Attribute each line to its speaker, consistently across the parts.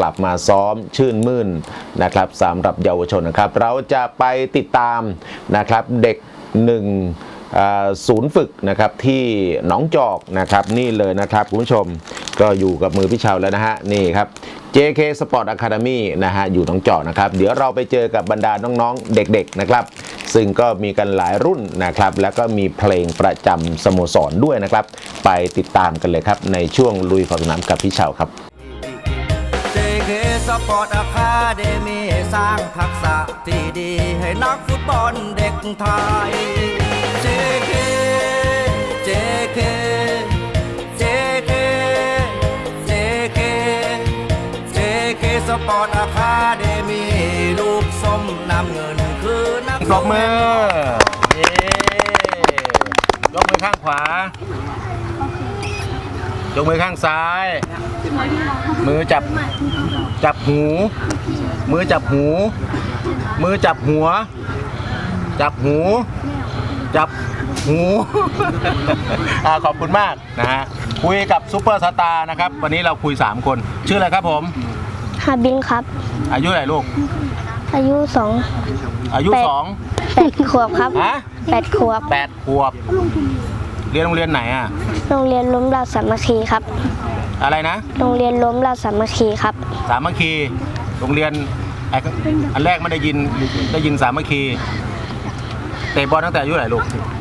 Speaker 1: ลับมาซ้อมชื่นมื่นนะครับสำหรับเยาวชนนะครับเราจะไปติดตามนะครับเด็กศูนย์ฝึกนะครับที่หนองจอกนะครับนี่เลยนะครับคุณผู้ชมก็อยู่กับมือพี่เชาแล้วนะฮะนี่ครับ JK Sport Academy นะฮะอยู่หนองจอกนะครับเดี๋ยวเราไปเจอกับบรรดาน้องๆเด็กๆนะครับซึ่งก็มีกันหลายรุ่นนะครับแล้วก็มีเพลงประจำสโมสรด้วยนะครับไปติดตามกันเลยครับในช่วงลุยขอบสนามกับพี่เชาครับ
Speaker 2: JK Sport Academy สร้างทักษะที่ดีให้นักฟุตบอลเด็กไทย JK JK JK JK JK Sport Academy ลูกส้มน้ำเงินคือนัก
Speaker 1: ปรบมือยกมือข้างขวายกมือข้างซ้ายมือจับหูมือจับหูมือจับหัวจับหูจับหูขอบคุณมากนะฮะคุยกับซุปเปอร์สตาร์นะครับวันนี้เราคุย3คนชื่ออะไรครับผม
Speaker 3: ฮาบินครับ
Speaker 1: อายุเท่าไหร่ลูก
Speaker 3: อายุ
Speaker 1: อายุ
Speaker 3: 8 ขวบครับ
Speaker 1: ฮะ
Speaker 3: 8 ขวบ
Speaker 1: เรียนโรงเรียนไหนอ่ะ
Speaker 3: โรงเรียนล้มเราสามัคคีครับ
Speaker 1: อะไรนะ
Speaker 3: โรงเรียนล้มเราสามัคคีครับ
Speaker 1: สามัคคีโรงเรียนอันแรกไม่ได้ยินสามัคคีเตะบอลตั้งแต่อายุเท่าไหร่ลูก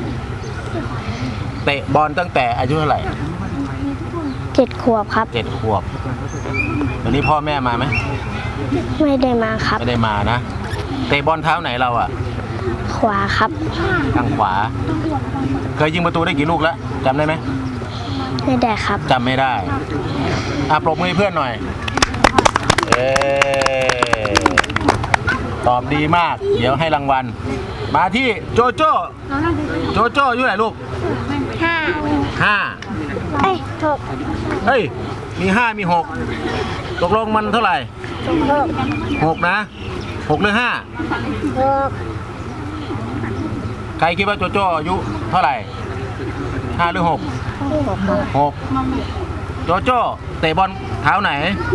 Speaker 1: เตะบอลตั้งแต่อายุเท่าไหร่
Speaker 3: 7 ขวบครับ
Speaker 1: 7 ขวบวันนี้พ่อแม่มาไหม
Speaker 3: ไม่ได้มาครับ
Speaker 1: ไม่ได้มานะเตะบอลเท้าไหนเราอ่ะ
Speaker 3: ขวาครับ
Speaker 1: ทางขวาเคยยิงประตูได้กี่ลูกแล้วจำได้ไหม
Speaker 3: ไม่ได้ครับ
Speaker 1: จำไม่ได้ปรบมือให้เพื่อนหน่อยตอบดีมากเดี๋ยวให้รางวัลมาที่โจโจ้อายุเท่าไหร่ลูก5
Speaker 3: 6
Speaker 1: เฮ้ยมี5มี6ตกลงมันเท่าไหร่6นะ6หรือ5ใครคิดว่าโจโจ้อายุเท่าไหร่5หรือ6โจโจ้เตะบอลเท้าไหน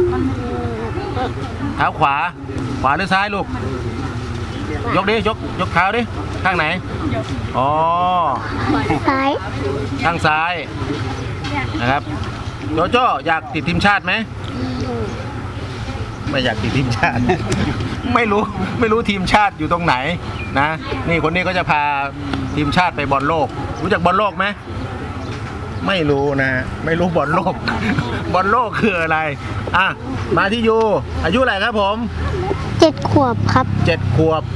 Speaker 1: เท้าขวาหรือซ้ายลูกยกดิยกเท้าดิข้างไหนอ๋อ
Speaker 3: ซ้าย
Speaker 1: ข้างซ้ายนะครับโจโจ้อยากติดทีมชาติไหมไม่อยากติดทีมชาติ ไม่รู้ทีมชาติอยู่ตรงไหนนะนี่คนนี้ก็จะพาทีมชาติไปบอลโลกรู้จักบอลโลกไหมไม่รู้นะไม่รู้บอลโลก บอลโลกคืออะไรมาที่ยูอายุเท่าไหร่ครับผม
Speaker 3: 7 ขวบครับ
Speaker 1: 7 ขวบ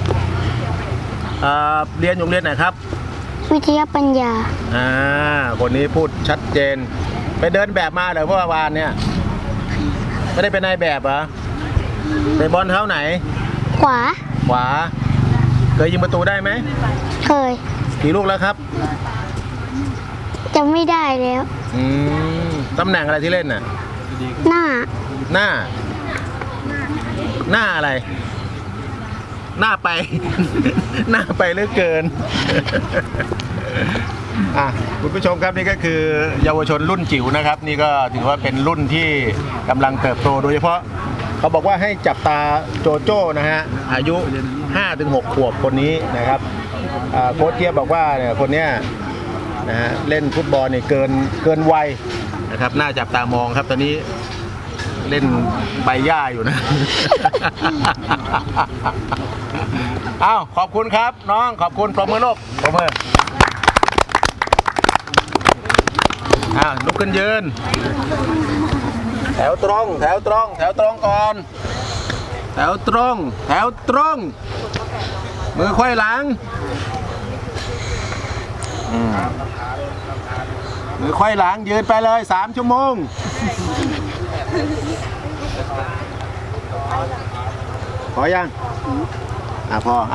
Speaker 1: เรียนโรงเรียนไหนครับ
Speaker 3: วิทยาปัญญา
Speaker 1: คนนี้พูดชัดเจนไปเดินแบบมาเหรอเมื่อวานเนี่ยไม่ได้เป็นนายแบบเหรอเตะบอลเท้าไหน
Speaker 3: ขวา
Speaker 1: เคยยิงประตูได้ไหม
Speaker 3: เคย
Speaker 1: กี่ลูกแล้วครับ
Speaker 3: จำไม่ได้แล้ว
Speaker 1: ตำแหน่งอะไรที่เล่นน่ะ
Speaker 3: หน้า
Speaker 1: อะไรหน้าไป หน้าไปเหลือเกิน คุณผู้ชมครับนี่ก็คือเยาวชนรุ่นจิ๋วนะครับนี่ก็ถือว่าเป็นรุ่นที่กำลังเติบโตโดยเฉพาะเขาบอกว่าให้จับตาโจโจ้นะฮะอายุ 5-6 ขวบคนนี้นะครับโค้ชเทียบบอกว่าเนี่ยคนเนี้ยนะฮะเล่นฟุตบอลเนี่ยเกินวัยนะครับน่าจับตามองครับตอนนี้เล่นใบหญ้าอยู่นะ ขอบคุณครับน้องขอบคุณปรบมือลูกปรบมือลุกขึ้นยืนแถวตรงก่อนแถวตรงมือไขว้หลังมือไขว้หลังยืนไปเลย3 ชั่วโมงพอยังพอ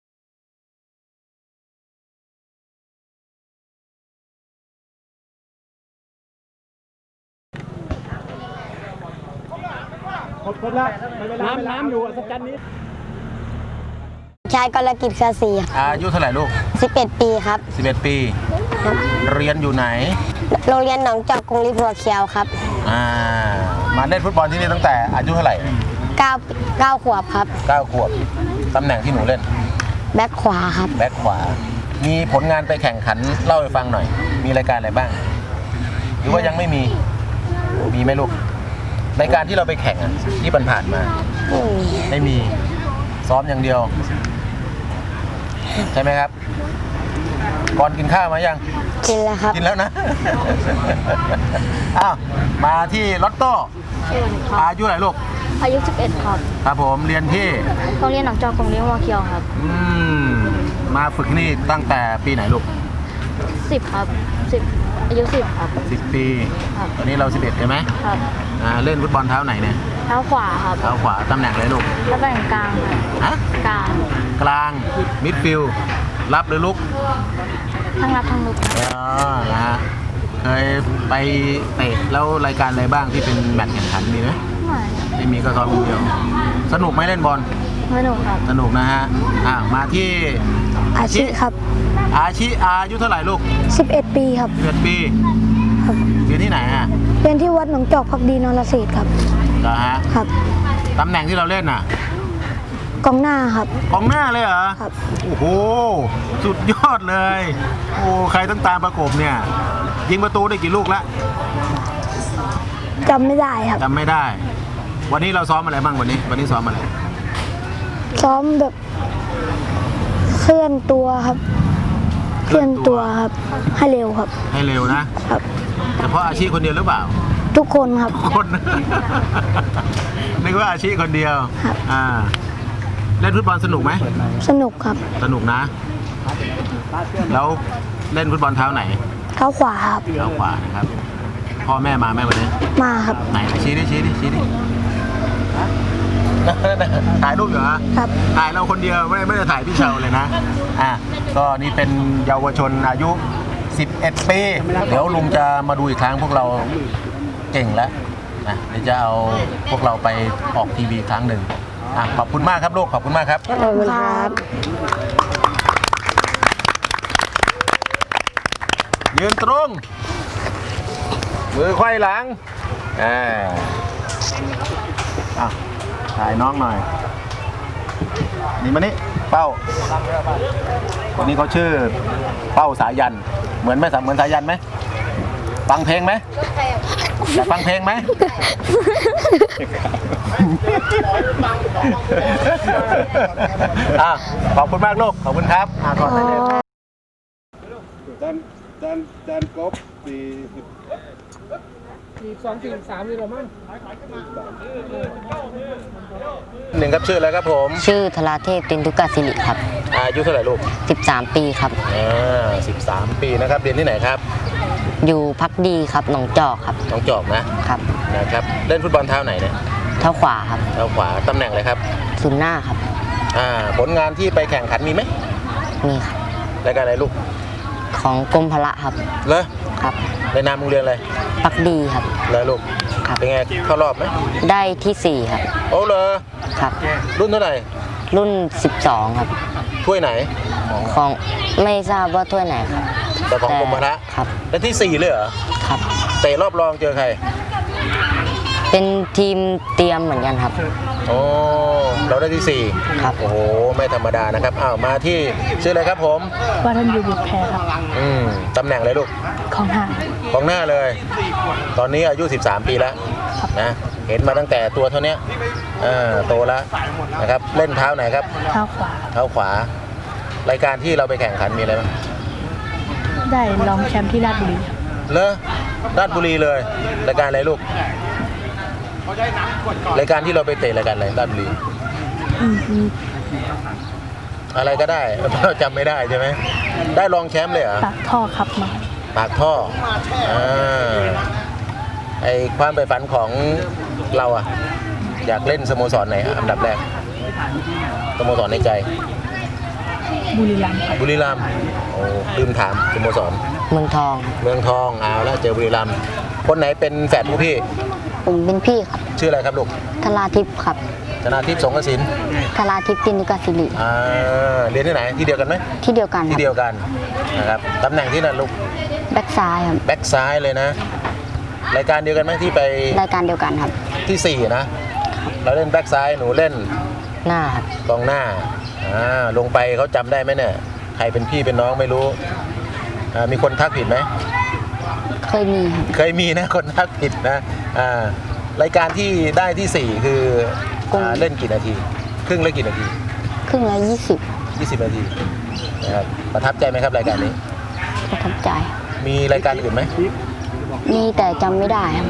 Speaker 1: น้ำอยู่สักจันนี้
Speaker 3: ชายกรกิจเครือศรี
Speaker 1: อายุเท่าไหร่ลูก
Speaker 3: 11 ปีครับ
Speaker 1: 11 ปีเรียนอยู่ไหน
Speaker 3: โรงเรียนหนองจอกกรุงริพัวเคียวครับ
Speaker 1: มาเล่นฟุตบอลที่นี่ตั้งแต่อายุเท่าไหร่
Speaker 3: 9 ขวบครับ
Speaker 1: 9 ขวบตำแหน่งที่หนูเล่น
Speaker 3: แบ็คขวาครับ
Speaker 1: แบ็คขวา มีผลงานไปแข่งขันเล่าให้ฟังหน่อย มีรายการอะไรบ้าง หรือว่ายังไม่มี มีไหมลูก รายการที่เราไปแข่งอะที่ผ่านๆมา ไม่มี ซ้อมอย่างเดียว ใช่ไหมครับ ก่อนกินข้าวมายัง
Speaker 3: กินแล้วครับ
Speaker 1: กินแล้วนะ อ้าว มาที่ลอตโต้
Speaker 4: ชื่อวันครับ
Speaker 1: อายุเท่าไหร่ลูก
Speaker 4: อายุ 11 ครับ
Speaker 1: ครับผมเรียนที่
Speaker 4: โรงเรียนหนองจอกของเลี้ยงวัวเคียวครับ
Speaker 1: มาฝึกนี่ตั้งแต่ปีไหนลูก
Speaker 4: 10 ครับ 10 อายุ 10 ครับ
Speaker 1: 10 ปี
Speaker 4: ครับ
Speaker 1: ตอนนี้เรา 11 ใช่ไหม
Speaker 4: ครับ
Speaker 1: เล่นฟุตบอลเท้าไหนเนี่ย
Speaker 4: เท้าขวาครับ
Speaker 1: เท้าขวาตำแหน่งอะไรลูก
Speaker 4: ตำแหน่งกลางครับ
Speaker 1: ฮะ
Speaker 4: กลาง
Speaker 1: กลางมิดฟิลด์รับหรือลุก
Speaker 4: ทั้งรับทั้งลุกครับ
Speaker 1: อ๋อนะฮะเคยไปเตะแล้วรายการอะไรบ้างที่เป็นแมตช์แข่งขันมีไหม
Speaker 4: ไม่
Speaker 1: ไม่มีก็ซ้อมคนเดียว สนุกไหมเล่นบอล
Speaker 4: ไม่หนุกครับ
Speaker 1: สนุกนะฮะมาที่
Speaker 3: อาชีพครับ
Speaker 1: อายุเท่าไหร่ลูก
Speaker 3: 11 ปีครับ
Speaker 1: 11 ปี
Speaker 3: ครับ
Speaker 1: เรียนที่ไหนฮะ
Speaker 3: เรียนที่วัดหนองจอกพักดีนรเศรษฐ์ครับ
Speaker 1: เหรอฮะ
Speaker 3: ครับ
Speaker 1: ตำแหน่งที่เราเล่นน่ะ
Speaker 3: กองหน้าครับ
Speaker 1: กองหน้าเลยเหรอ
Speaker 3: ครับ
Speaker 1: โอ้โห สุดยอดเลย โอ้ ใครต้องตามประกบเนี่ย ยิงประตูได้กี่ลูกแล้ว
Speaker 3: จำไม่ได้ครับ
Speaker 1: จำไม่ได้ วันนี้เราซ้อมอะไรบ้างวันนี้ซ้อมอะไร
Speaker 3: ซ้อมแบบเคลื่อนตัวครับ เคลื่อนตัวครับ ให้เร็วครับ
Speaker 1: ให้เร็วนะ
Speaker 3: ครับ
Speaker 1: เฉพาะอาชีพคนเดียวหรือเปล่า
Speaker 3: ทุกคนครับ
Speaker 1: คน นึกว่าอาชีพคนเดียว
Speaker 3: ครับ
Speaker 1: เล่นฟุตบอลสนุกไหม
Speaker 3: สนุกครับ
Speaker 1: สนุกนะ แล้วเล่นฟุตบอลเท้าไหน
Speaker 3: เท้าขวาครับ
Speaker 1: เท้าขวานะครับ พ่อแม่มาไหมวันนี้
Speaker 3: มาครับ
Speaker 1: ไหนชี้ดิถ่ายรูปอยู่ฮะ
Speaker 3: ครับ
Speaker 1: ถ่ายเราคนเดียวไม่ได้ถ่ายพี่เชาเลยนะ ก็นี่เป็นเยาวชนอายุ 11 ปี เดี๋ยวลุงจะมาดูอีกครั้งพวกเราเก่งแล้วนะเดี๋ยวจะเอาพวกเราไปออกทีวีครั้งหนึ่งขอบคุณมากครับลูก ขอบคุณมากครับ
Speaker 3: ขอบคุณครับ
Speaker 1: ยืนตรง มือไขว้หลังถ่ายน้องหน่อย นี่มานี่เป้าคนนี้เขาชื่อเป้าสายัน เหมือนสายันไหม ฟังเพลงไหมอยากฟังเพลงไหม ขอบคุณมากลูก ขอบคุณครับก่อนได้เลย
Speaker 5: จานกบ42-43นี่หรอมั้ง
Speaker 1: หนึ่งครับชื่ออะไรครับผม
Speaker 6: ชื่อธราเทพตินทุกศิริครับ
Speaker 1: อายุเท่าไหร่ลูก
Speaker 6: 13 ปีครับ
Speaker 1: 13 ปีนะครับ เรียนที่ไหนครับ
Speaker 6: อยู่พักดีครับหนองจอกครับ
Speaker 1: น้องจอกนะครับ นะครับ เล่นฟุตบอลเท้าไหนเนี่ย
Speaker 6: เท้าขวาครับ
Speaker 1: เท้าขวา ตำแหน่งอะไรครับ
Speaker 6: ศูนย์หน้าครับ
Speaker 1: ผลงานที่ไปแข่งขันมีไหม
Speaker 6: มีครับ
Speaker 1: รายการอะไรลูก
Speaker 6: ของกรมพละครับ
Speaker 1: เหรอ
Speaker 6: ครับ
Speaker 1: ในนามโรงเรียนอะไร
Speaker 6: พักดีครับ
Speaker 1: เหรอลูก
Speaker 6: ครับ
Speaker 1: เป็นไงเข้ารอบไหม
Speaker 6: ได้ที่ 4 ครับ
Speaker 1: โอ้เหรอ
Speaker 6: ครับ
Speaker 1: รุ่นเท่าไหร่
Speaker 6: รุ่น 12 ครับ
Speaker 1: ถ้วยไหน
Speaker 6: ของไม่ทราบว่าถ้วยไหนครับ
Speaker 1: แต่ของกรมพละ
Speaker 6: ครับ
Speaker 1: และที่ 4 เลยเหรอ
Speaker 6: ครับ
Speaker 1: เตะรอบรองเจอใคร
Speaker 6: เป็นทีมเตรียมเหมือนกันครับ
Speaker 1: โอ้เราได้ที่ 4
Speaker 6: ครับ
Speaker 1: โอ้โห ไม่ธรรมดานะครับ มาที่ชื่ออะไรครับผม
Speaker 4: ว่าท่านอยู่บุตรแพรครับ
Speaker 1: ตำแหน่งอะไรลูก
Speaker 4: ของหาง
Speaker 1: ของหน้าเลย ตอนนี้อายุ 13 ปีแล้วนะ เห็นมาตั้งแต่ตัวเท่านี้โตแล้วนะครับ เล่นเท้าไหนครับ
Speaker 4: เท้าขวา
Speaker 1: เท้าขวา รายการที่เราไปแข่งขันมีอะไรบ้าง
Speaker 4: ได้รองแชมป์ที่ราชบุรี
Speaker 1: เลอราชบุรีเลย รายการอะไรลูก รายการที่เราไปเตะรายการอะไรราชบุรี อะไรก็ได้ เราจำไม่ได้ใช่ไหม ได้รองแชมป์เลยเหรอ
Speaker 4: ปากท่อครับมา
Speaker 1: ปากท่อไอความใฝ่ฝันของเราอะอยากเล่นสโมสรไหนอันดับแรก สโมสรในใจ
Speaker 4: บุรีรัมย์ครับ
Speaker 1: บุรีรัมย์โอ้ลืมถามสโมสร
Speaker 6: เมืองทอง
Speaker 1: เมืองทองเอาแล้วเจอบุรีรัมย์คนไหนเป็นแฝดผู้พี่
Speaker 6: ผมเป็นพี่ครับ
Speaker 1: ชื่ออะไรครับลูก
Speaker 6: ธราทิพย์ครับ
Speaker 1: ธนาทิพย์สงกสิน
Speaker 6: ธราทิพย์ตินทุกศิริ
Speaker 1: เรียนที่ไหนที่เดียวกันไหม
Speaker 6: ที่เดียวกันค
Speaker 1: ที่
Speaker 6: รับ
Speaker 1: เดียวกันนะครับตำแหน่งที่นั่นลูก
Speaker 6: แบ็กซ้ายครับ
Speaker 1: แบ็กซ้ายเลยนะ รายการเดียวกันไหมที่ไป
Speaker 6: รายการเดียวกันครับ
Speaker 1: ที่ 4 นะเราเล่นแบ็กซ้ายหนูเล่น
Speaker 6: หน้าครับ
Speaker 1: กองหน้าลงไปเขาจำได้ไหมเนี่ยใครเป็นพี่เป็นน้องไม่รู้มีคนทักผิดไหม
Speaker 6: เคยมีครับ
Speaker 1: เคยมีนะคนทักผิดนะรายการที่ได้ที่ 4 คือเล่นกี่นาทีครึ่งละกี่นาที
Speaker 6: ครึ่งละ
Speaker 1: 20 นาทีนะครับประทับใจไหมครับรายการนี้
Speaker 6: 20ประทับใจ
Speaker 1: มีรายการอื่นไหม
Speaker 6: มีแต่จำไม่ได้ครับ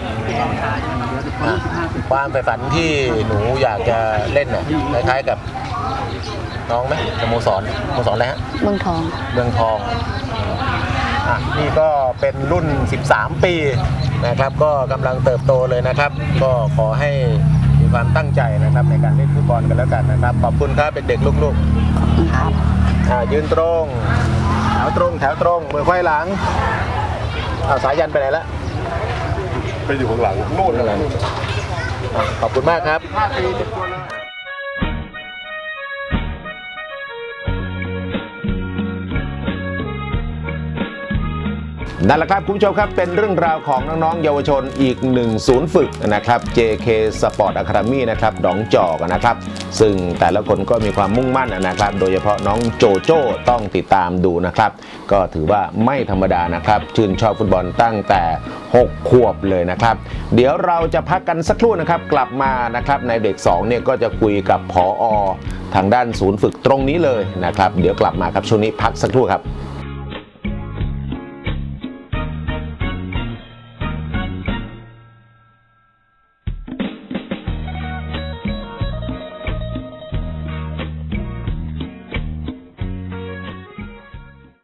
Speaker 1: ความใฝ่ฝันที่หนูอยากจะเล่นน่ะคล้ายๆกับน้องไหมสโมสรอะไรฮะ
Speaker 6: เมืองทอง
Speaker 1: เมืองทองนี่ก็เป็นรุ่น 13 ปีนะครับก็กำลังเติบโตเลยนะครับ ก็ขอให้มีความตั้งใจนะครับในการเล่นฟุตบอลกันแล้วกันนะครับขอบคุณครับเด็กๆลูกๆ
Speaker 6: ครับ
Speaker 1: ยืนตรงแถวตรงมือไขว้หลังสายันไปไหนละ
Speaker 5: ไปอยู่ข้างหลังโน่นอะไร
Speaker 1: ขอบคุณมากครับ นั่นแหละครับคุณผู้ชมครับเป็นเรื่องราวของน้องๆเยาวชนอีกหนึ่งศูนย์ฝึกนะครับ JK Sport Academy นะครับหนองจอกนะครับซึ่งแต่ละคนก็มีความมุ่งมั่นนะครับโดยเฉพาะน้องโจโจ้ต้องติดตามดูนะครับก็ถือว่าไม่ธรรมดานะครับชื่นชอบฟุตบอลตั้งแต่6 ขวบเลยนะครับเดี๋ยวเราจะพักกันสักครู่นะครับกลับมานะครับในเบรก2เนี่ยก็จะคุยกับผอ.ทางด้านศูนย์ฝึกตรงนี้เลยนะครับเดี๋ยวกลับมาครับช่วงนี้พักสักครู่ครับ